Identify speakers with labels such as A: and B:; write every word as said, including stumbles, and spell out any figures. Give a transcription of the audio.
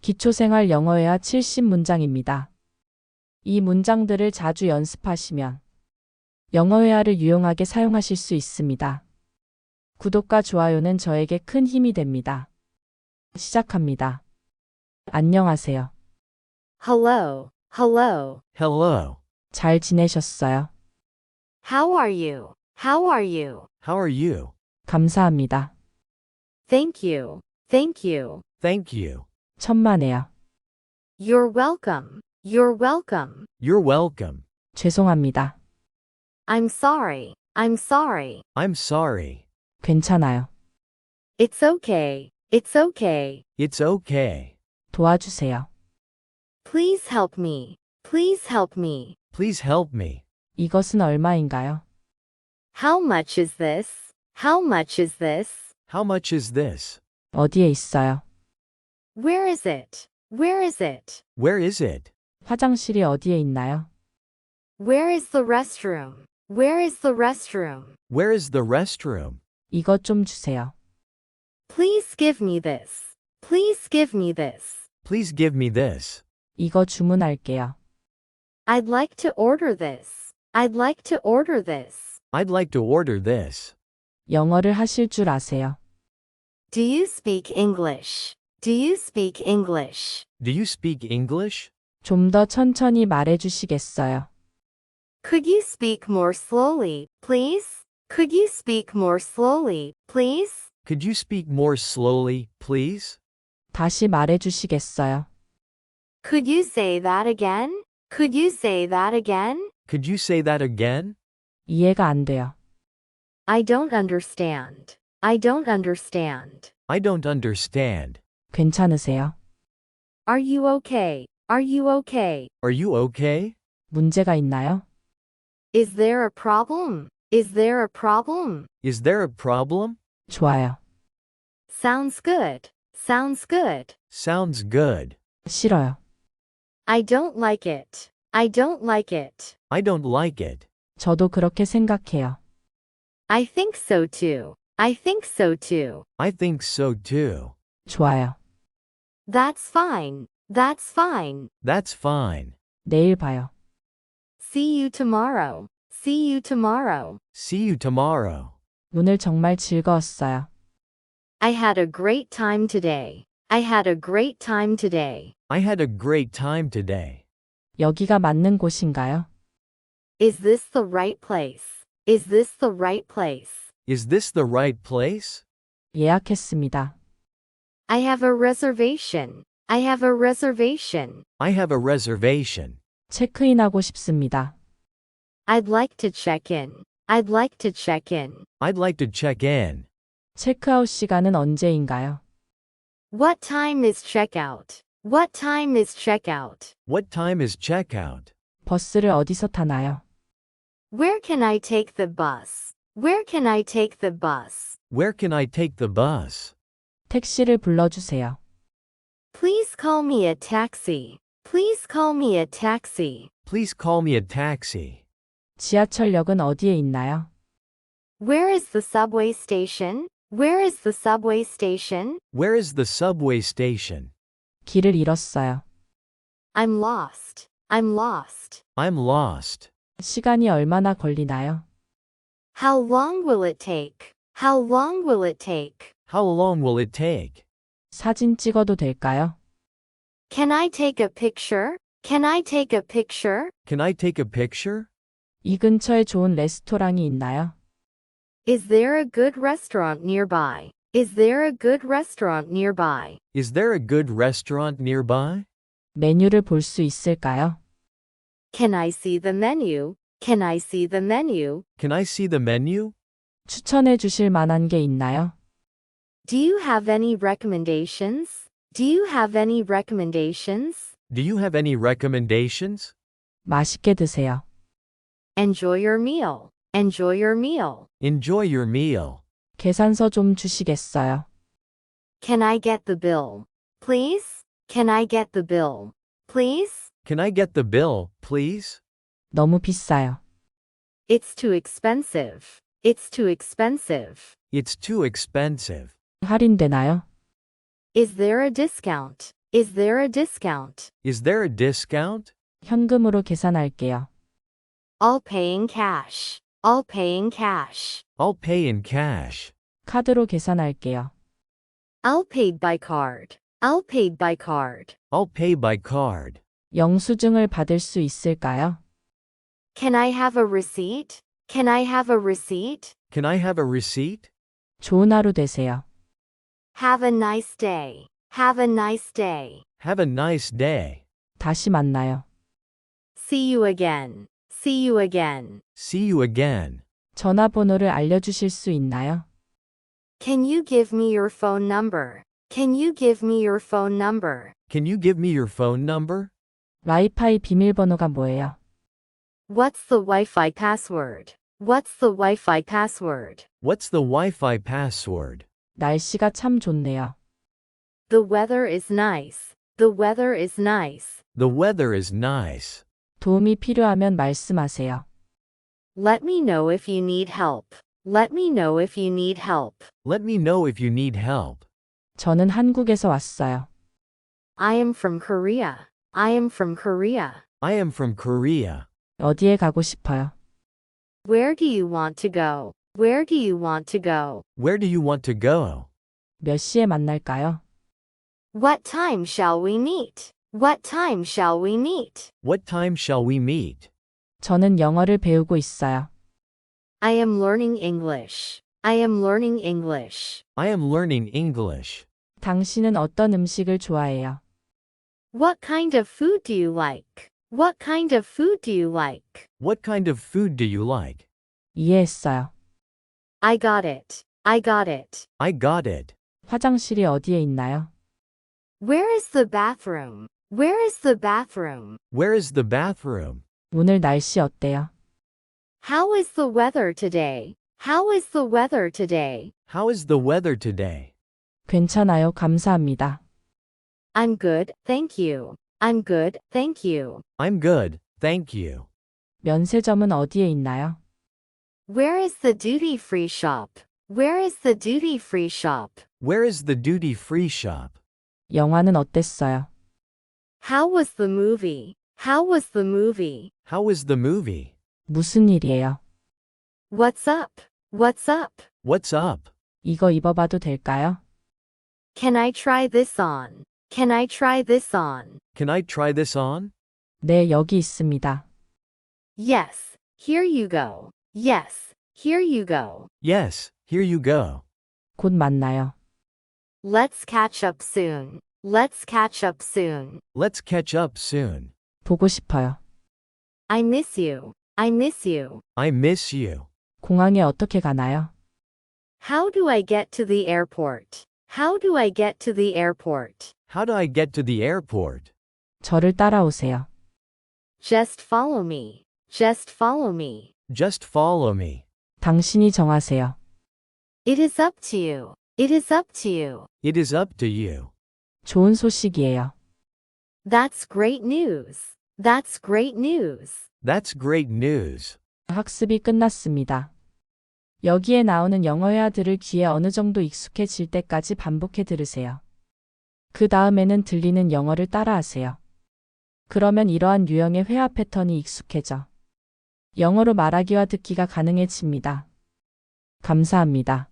A: 기초생활 영어회화 칠십 문장입니다. 이 문장들을 자주 연습하시면 영어회화를 유용하게 사용하실 수 있습니다. 구독과 좋아요는 저에게 큰 힘이 됩니다. 시작합니다. 안녕하세요.
B: Hello, hello.
C: Hello.
A: 잘 지내셨어요?
B: How are you? How are you?
C: How are you?
A: 감사합니다.
B: Thank you, thank you.
C: Thank you.
A: 천만에요.
B: You're welcome, you're welcome.
C: You're welcome.
A: 죄송합니다.
B: I'm sorry, I'm sorry.
C: I'm sorry.
A: 괜찮아요.
B: It's okay, it's okay.
C: It's okay.
A: 도와주세요.
B: Please help me, please help me.
C: Please help me.
A: 이것은 얼마인가요?
B: How much is this? How much is this?
C: How much is this?
A: 어디에 있어요?
B: Where is it? Where is it?
C: Where is it?
A: 화장실이 어디에 있나요?
B: Where is the restroom? Where is the restroom?
C: Where is the restroom?
A: 이것 좀 주세요.
B: Please give me this. Please give me this.
C: Please give me this.
A: 이거 주문할게요.
B: I'd like to order this. I'd like to order this.
C: I'd like to order this.
A: 영어를 하실 줄 아세요?
B: Do you speak English? Do you speak English?
C: Do you speak English?
A: 좀 더 천천히 말해 주시겠어요?
B: Could you speak more slowly, please? Could you speak more slowly, please?
C: Could you speak more slowly, please?
A: 다시 말해 주시겠어요?
B: Could you say that again? Could you say that again?
C: Could you say that again?
A: 이해가 안 돼요.
B: I don't understand. I don't understand.
C: I don't understand.
A: 괜찮으세요?
B: Are you okay? Are you okay?
C: Are you okay?
A: 문제가 있나요?
B: Is there a problem? Is there a problem?
C: Is there a problem?
A: 좋아요.
B: Sounds good. Sounds good.
C: Sounds good.
A: 싫어요.
B: I don't like it. I don't like it.
C: I don't like it.
A: 저도 그렇게 생각해요.
B: I think so too. I think so too.
C: I think so too.
A: 좋아요.
B: That's fine. That's fine.
C: That's fine.
A: 내일 봐요.
B: See you tomorrow. See you tomorrow.
C: See you tomorrow.
A: 오늘 정말 즐거웠어요.
B: I had a great time today. I had a great time today.
C: I had a great time today.
A: 여기가 맞는 곳인가요?
B: Is this the right place? Is this the right place?
C: Is this the right place?
A: 예약했습니다.
B: I have a reservation. I have a reservation.
C: I have a reservation.
A: 체크인하고 싶습니다.
B: I'd like to check in. I'd like to check in.
C: I'd like to check in.
A: 체크아웃 시간은 언제인가요?
B: What time is checkout? What time is checkout?
C: What time is checkout?
A: 버스를 어디서 타나요?
B: Where can I take the bus? Where can I take the bus?
C: Where can I take the bus?
A: 택시를 불러주세요.
B: Please call me a taxi. Please call me a taxi.
C: Please call me a taxi.
A: 지하철역은 어디에 있나요?
B: Where is the subway station? Where is the subway station?
C: Where is the subway station?
A: 길을 잃었어요.
B: I'm lost. I'm lost.
C: I'm lost.
A: 시간이 얼마나 걸리나요?
B: How long will it take? How long will it take?
C: How long will it take?
A: 사진 찍어도 될까요?
B: Can I take a picture? Can I take a picture?
C: Can I take a picture?
A: 이 근처에 좋은 레스토랑이 있나요?
B: Is there a good restaurant nearby? Is there a good restaurant nearby?
C: Is there a good restaurant nearby?
A: 메뉴를 볼 수 있을까요?
B: Can I see the menu? Can I see the menu?
C: Can I see the menu?
A: 추천해 주실 만한 게 있나요?
B: Do you have any recommendations? Do you have any recommendations?
C: Do you have any recommendations?
A: 맛있게 드세요.
B: Enjoy your meal. Enjoy your meal.
C: Enjoy your meal.
A: 계산서 좀 주시겠어요?
B: Can I get the bill? Please? Can I get the bill? Please?
C: Can I get the bill, please?
A: 너무 비싸요.
B: It's too expensive. It's too expensive.
C: It's too expensive.
A: 할인되나요?
B: Is there a discount? Is there a discount?
C: Is there a discount?
A: 현금으로 계산할게요.
B: I'll pay in cash. I'll pay in cash.
C: I'll pay in cash.
A: 카드로 계산할게요.
B: I'll pay by card. I'll pay by card.
C: I'll pay by card.
A: 영수증을 받을 수 있을까요?
B: Can I have a receipt? Can I have a receipt?
C: Can I have a receipt?
A: 좋은 하루 되세요.
B: Have a nice day. Have a nice day.
C: Have a nice day.
A: 다시 만나요.
B: See you again. See you again.
C: See you again.
A: 전화번호를 알려주실 수 있나요?
B: Can you give me your phone number? Can you give me your phone number?
C: Can you give me your phone number?
A: 와이파이 비밀번호가 뭐예요?
B: What's the Wi-Fi password? What's the Wi-Fi password?
C: What's the Wi-Fi password?
A: 날씨가 참 좋네요.
B: The weather is nice. The weather is nice.
C: The weather is nice.
A: 도움이 필요하면 말씀하세요.
B: Let me know if you need help. Let me know if you need help.
C: Let me know if you need help.
A: 저는 한국에서 왔어요.
B: I am from Korea. I am from Korea.
C: I am from Korea.
A: 어디에 가고 싶어요?
B: Where do you want to go? Where do you want to go?
C: Where do you want to go?
A: 몇 시에 만날까요?
B: What time shall we meet? What time shall we meet?
C: What time shall we meet?
A: 저는 영어를 배우고 있어요.
B: I am learning English. I am learning English.
C: I am learning English.
A: 당신은 어떤 음식을 좋아해요?
B: What kind of food do you like? What kind of food do you like?
C: What kind of food do you like?
A: 이해했어요.
B: I got it. I got it.
C: I got it.
A: 화장실이 어디에 있나요?
B: Where is the bathroom? Where is the bathroom?
C: Where is the bathroom?
A: 오늘 날씨 어때요?
B: How is the weather today? How is the weather today?
C: How is the weather today?
A: 괜찮아요. 감사합니다.
B: I'm good, thank you. I'm good, thank you.
C: I'm good, thank you.
A: 면세점은 어디에 있나요?
B: Where is the duty-free shop? Where is the duty-free shop?
C: Where is the duty-free shop?
A: 영화는 어땠어요?
B: How was the movie? How was the movie?
C: How was the movie?
A: 무슨 일이에요?
B: What's up? What's up?
C: What's up?
A: 이거 입어봐도 될까요?
B: Can I try this on? Can I try this on?
C: Can I try this on?
A: 네, 여기 있습니다.
B: Yes, here you go. Yes, here you go.
C: Yes, here you go.
A: 곧 만나요.
B: Let's catch up soon. Let's catch up soon.
C: Let's catch up soon.
A: 보고 싶어요.
B: I miss you. I miss you.
C: I miss you.
A: 공항에 어떻게 가나요?
B: How do I get to the airport? How do I get to the airport?
C: How do I get to the airport?
A: 저를 따라오세요.
B: Just follow me. Just follow me.
C: Just follow me.
A: 당신이 정하세요.
B: It is up to you. It is up to you.
C: It is up to you.
A: 좋은 소식이에요.
B: That's great news. That's great news.
C: That's great news.
A: 학습이 끝났습니다. 여기에 나오는 영어 회화들을 귀에 어느 정도 익숙해질 때까지 반복해 들으세요. 그 다음에는 들리는 영어를 따라하세요. 그러면 이러한 유형의 회화 패턴이 익숙해져 영어로 말하기와 듣기가 가능해집니다. 감사합니다.